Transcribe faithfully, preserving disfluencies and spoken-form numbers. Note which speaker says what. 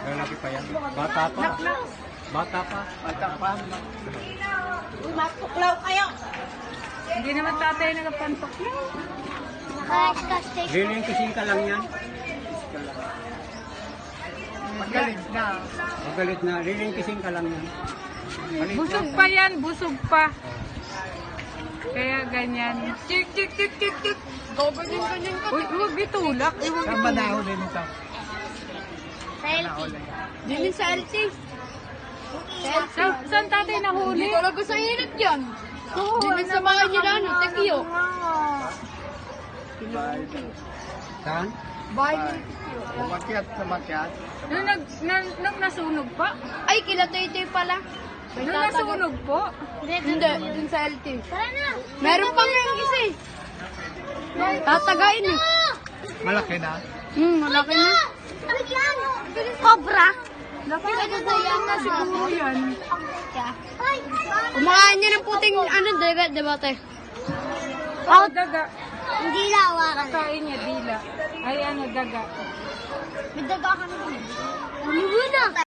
Speaker 1: Lalaki pa yan. Bata pa. Bata pa. Bata pa.
Speaker 2: Uy, matuklaw kayo.
Speaker 3: Hindi naman tatay nagpantuklaw.
Speaker 2: Naka-casting.
Speaker 1: Riling kising ka lang yan.
Speaker 4: Magaling na.
Speaker 1: Magalit na. Riling kising ka lang yan. Maliit
Speaker 3: Busog
Speaker 1: lang.
Speaker 3: pa yan, busog pa. Kaya ganyan. Chik, chik, chik, chik, chik.
Speaker 2: Ganyan, ganyan ka.
Speaker 3: Uy, huwag itulak. Eh, huwag
Speaker 4: Saan ba nahuli nito?
Speaker 2: Sa L T. Dili sa L T.
Speaker 3: Sa, saan tatay nahuli?
Speaker 2: Talaga sa init yan. Dili sa mga nila, no? Tekiyo.
Speaker 1: Saan?
Speaker 2: Bahay ni
Speaker 4: Umakyat sa makyat.
Speaker 3: Nung, nag, nang, nang nasunog pa?
Speaker 2: Ay, kila Toy-Toy pala.
Speaker 3: Nung nasunog po?
Speaker 2: Hindi, dun sa L T. Tara na. Meron pang yung isa eh. Tatagain eh.
Speaker 4: Malaki na.
Speaker 2: Hmm, malaki na. Cobra.
Speaker 3: Nakakagulong na siguro yan.
Speaker 2: Umakaan niya ng puting ano, dagat, diba te?
Speaker 3: Oh, daga.
Speaker 2: Hindi lawakan.
Speaker 3: Kain niya, dila. Ay, ano, daga.
Speaker 2: May daga ka na. Ano na?